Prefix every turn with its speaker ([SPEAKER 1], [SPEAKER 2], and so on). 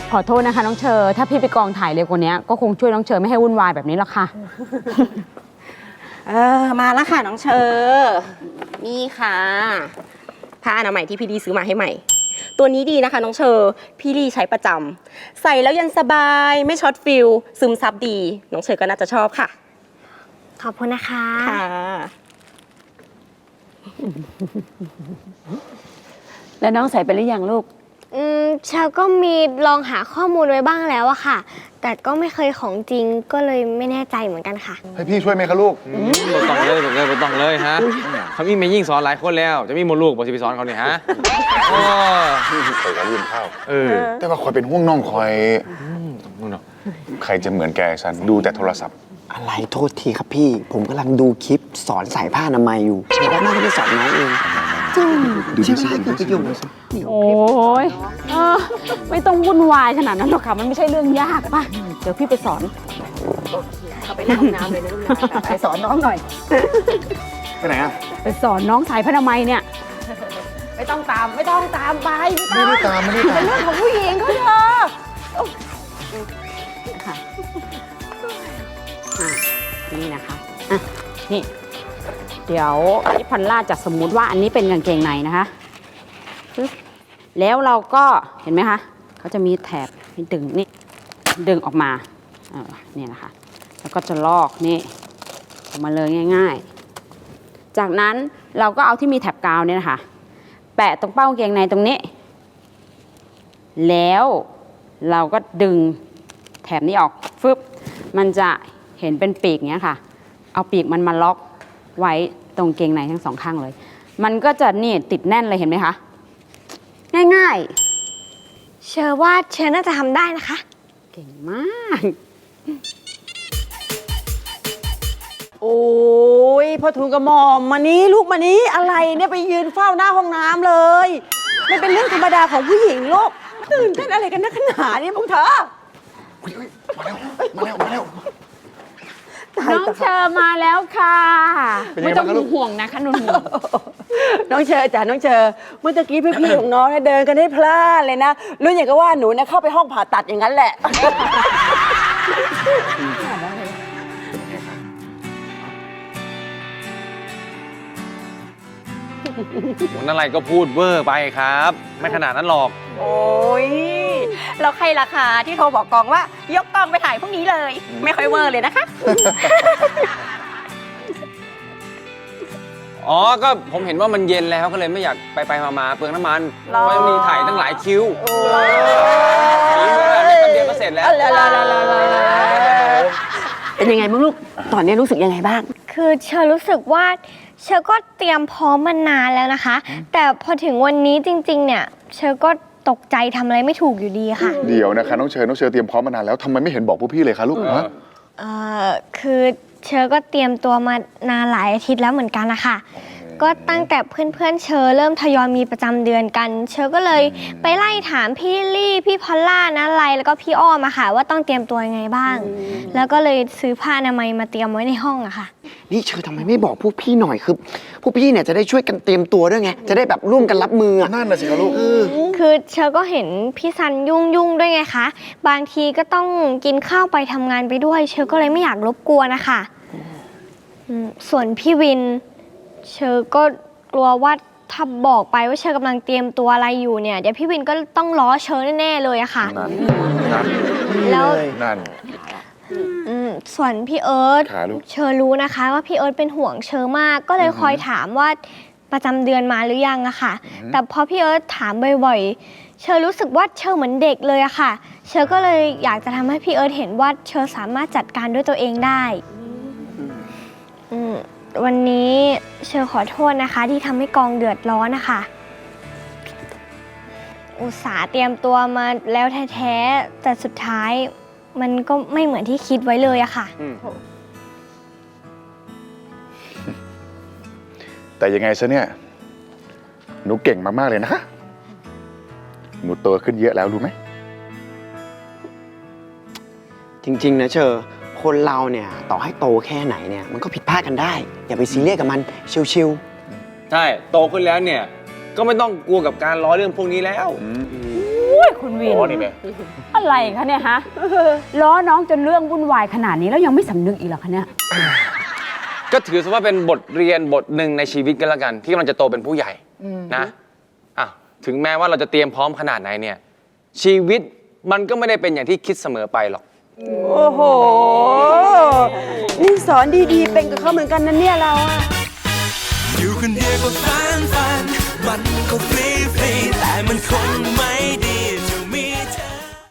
[SPEAKER 1] ขอโทษนะคะน้องเชอถ้าพี่ไปกองถ่ายเร็วกว่านี้ก็คงช่วยน้องเชอไม่ให้วุ่นวายแบบนี้หรอกค่ะ
[SPEAKER 2] มาแล้วค่ะน้องเชอนี่ค่ะผ้าอนามัยที่พี่ดีซื้อมาให้ใหม่ ตัวนี้ดีนะคะน้องเชอพี่ดีใช้ประจำใส่แล้วยันสบายไม่ช็อตฟิลซึมซับดีน้องเชอก็น่าจะชอบค่ะ
[SPEAKER 3] ขอบคุณนะคะ
[SPEAKER 2] ค่ะ
[SPEAKER 1] แล้วน้องใส่ไปหรือยังลูก
[SPEAKER 3] เชอก็มีลองหาข้อมูลไว้บ้างแล้วอะค่ะ แต่ก็ไม่เคยของจริงก็เลยไม่แน่ใจเหมือนกันค่ะ
[SPEAKER 4] ให้พี่ช่วยไหมคะลูก
[SPEAKER 5] บ่ต้องเลยบ่ต้องเลยฮะเขามีแม่ยิ่งสอนหลายคนแล้ว จะมีมดลูกบ่สิไปสอนเขาเนี่ยฮะโอ้
[SPEAKER 4] เคยกับลืมข้าว
[SPEAKER 5] แต่
[SPEAKER 4] ว่าคอยเป็นห่วงน้องคอย
[SPEAKER 5] นู่นเนาะ
[SPEAKER 4] ใครจะเหมือนแกฉันดูแต่โทรศัพท์
[SPEAKER 6] อะไรโทษทีครับพี่ ผมกำลังดูคลิปสอนใส่ผ้าอนามัยอยู่เชฟว่าน่าจะไปสอนน้องเองดูดิใช่คือประโยชน์
[SPEAKER 1] โอ้ยไม่ต้องวุ่นวายขนาดนั้นหรอกค่ะมันไม่ใช่เรื่องยากป่ะเดี๋ยวพี่ไปสอน
[SPEAKER 2] เข้าไปในห้องน้ำเลยนะลูกนะไปสอนน้องหน่อย
[SPEAKER 4] ไปไหนอ่ะ
[SPEAKER 1] ไปสอนน้องสายพนามัยเนี่ย
[SPEAKER 2] ไม่ต้องตามไป
[SPEAKER 4] ไม่ได้ตาม
[SPEAKER 2] เป็นเรื่องของผู้หญิงเขาเถอะ
[SPEAKER 1] ค่ะนี่นะคะอ่ะนี่เดี๋ยวพี่พันล่าจะสมมุติว่าอันนี้เป็นกางเกงในนะคะปึ๊บแล้วเราก็เห็นไหมคะเขาจะมีแถบให้ดึงนี่ดึงออกมาเนี่ยนะคะแล้วก็จะลอกนี่ออกมาเลยง่ายๆจากนั้นเราก็เอาที่มีแถบกาวเนี่ยนะคะแปะตรงเป้ากางเกงในตรงนี้แล้วเราก็ดึงแถบนี้ออกฟึบมันจะเห็นเป็นปีกเนี้ยค่ะเอาปีกมันมาล็อกไว้ตรงเกงในทั้งสองข้างเลยมันก็จะนี่ติดแน่นเลยเห็นไหมคะง่าย
[SPEAKER 3] เชอว่าเชอน่าจะทำได้นะคะ
[SPEAKER 1] ๆเก่งมาก
[SPEAKER 7] โอ้ยพอทูลกระหม่อมมานี้ลูกมานี้อะไรเนี่ยไปยืนเฝ้าหน้าห้องน้ำเลยไม่เป็นเรื่องธรรมดาของผู้หญิงลูกตื่นเต้นอะไรกันนักหนาเนี่ยพวกเธอ
[SPEAKER 4] มาแล้ว
[SPEAKER 1] น้องเชอมาแล้วค่ะ
[SPEAKER 4] เป็นยัง
[SPEAKER 1] ไม่
[SPEAKER 4] ไง
[SPEAKER 1] ต้อง
[SPEAKER 4] บ้างคะลูก
[SPEAKER 1] ห่วงนะคะนุ่น
[SPEAKER 7] น้องเชอจ๋าน้องเชอเมื่อตะกี้พี่ๆของน้องเนี่ยเดินกันให้พลาดเลยนะรู้อย่างก็ว่าหนูเนี่ยเข้าไปห้องผ่าตัดอย่างนั้นแหละ
[SPEAKER 5] คนอะไรก็พูดเวอร์ไปครับ ไม่ขนาดนั้นหรอก
[SPEAKER 2] โอ้ยแล้วใครราคาที่โทรบอกกองว่ายกกองไปถ่ายพรุ่งนี้เลย ไม่ค่อยเวอร์เลยนะคะ
[SPEAKER 5] อ๋อ ก็ผมเห็นว่ามันเย็นแล้วก็เลยไม่อยากไปมาเปลืองน้ำมันเพราะมีถ่ายตั้งหลายคิวนี่เวลาแป๊บเดียวก็เสร็จแล้ว
[SPEAKER 7] เป็นยังไงบ้างลูกตอนนี้รู้สึกยังไงบ้าง
[SPEAKER 3] คือเชอรู้สึกว่าเชอก็เตรียมพร้อมมานานแล้วนะคะ แต่พอถึงวันนี้จริงๆเนี่ยเชอก็ตกใจทำอะไรไม่ถูกอยู่ดีค่ะ
[SPEAKER 4] เดี๋ยวนะคะน้องเชอเตรียมพร้อมมานานแล้วทำไมไม่เห็นบอกพวกพี่เลยคะลูกฮะ
[SPEAKER 3] คือเชอก็เตรียมตัวมานานหลายอาทิตย์แล้วเหมือนกันนะคะก็ตั้งแต่เพื่อนๆเชอเริ่มทยอยมีประจำเดือนกัน เชอก็เลยไปไล่ถามพี่ลี่พี่พอลล่านะไลแล้วก็พี่อ้อมอะค่ะว่าต้องเตรียมตัวยังไงบ้าง แล้วก็เลยซื้อผ้าอนามัยมาเตรียมไว้ในห้องอะค่ะ
[SPEAKER 6] นี่เชอทำไมไม่บอกพวกพี่หน่อยคือพวกพี่เนี่ยจะได้ช่วยกันเตรียมตัวด้วยไง จะได้แบบร่วมกันรับมืออะ
[SPEAKER 4] นั่นน่ะสิคะลูก
[SPEAKER 3] คือเชอก็เห็นพี่ซันยุ่งด้วยไงคะบางทีก็ต้องกินข้าวไปทำงานไปด้วย เชอก็เลยไม่อยากรบกวนนะคะส่วนพี่วินเชอก็กลัวว่าถ้าบอกไปว่าเชอกำลังเตรียมตัวอะไรอยู่เนี่ยเดี๋ยวพี่วินก็ต้องล้อเชอแน่ๆเลยอะค่ะ
[SPEAKER 4] นั่น
[SPEAKER 3] แล้ว
[SPEAKER 4] นั่น
[SPEAKER 3] ส่วนพี่เอิร์ธ
[SPEAKER 4] ขาลูก
[SPEAKER 3] เชอรู้นะคะว่าพี่เอิร์ธเป็นห่วงเชอมากก็เลยคอยถามว่าประจำเดือนมาหรือยังอะค่ะแต่พอพี่เอิร์ธถามบ่อยๆเชอรู้สึกว่าเชอเหมือนเด็กเลยอะค่ะเชอก็เลยอยากจะทำให้พี่เอิร์ธเห็นว่าเชอสามารถจัดการด้วยตัวเองได้วันนี้เชอขอโทษนะคะที่ทำให้กองเดือดร้อนนะคะอุตส่าห์เตรียมตัวมาแล้วแท้ๆแต่สุดท้ายมันก็ไม่เหมือนที่คิดไว้เลยอะค่ะ
[SPEAKER 4] แต่ยังไงซะเนี่ยหนูเก่งมากๆเลยนะคะหนูโตขึ้นเยอะแล้วรู้ไหม
[SPEAKER 6] จริงๆนะเชอคนเราเนี่ยต่อให้โตแค่ไหนเนี่ยมันก็ผิดพลาดกันได้ อย่าไปซีเรียสกับมันชิว
[SPEAKER 5] ใช่ โตขึ้นแล้วเนี่ย ก็ไม่ต้องกลัวกับการล้อเรื่องพวกนี้แล้ว
[SPEAKER 2] โอ้
[SPEAKER 1] ยคุณวิน
[SPEAKER 4] อ๋อนี่แม่
[SPEAKER 1] อะไรคะเนี่ยฮะ ล้อน้องจนเรื่องวุ่นวายขนาดนี้แล้วยังไม่สำนึกอีกเหรอคะเนี่ย
[SPEAKER 5] ก็ถือซะว่าเป็นบทเรียนบทหนึ่งในชีวิตกันละกัน ที่กำลังจะโตเป็นผู้ใหญ่นะอ่ะถึงแม้ว่าเราจะเตรียมพร้อมขนาดไหนเนี่ย ชีวิตมันก็ไม่ได้เป็นอย่างที่คิดเสมอไปหรอก
[SPEAKER 7] โอ้โห นี่สอนดีๆ เป็นกับเขาเหมือนกันนะเนี่ยเราอะ
[SPEAKER 8] อยู่คนเดียวก็ฟันมันก็ฟรีแต่มันคงไม่ดี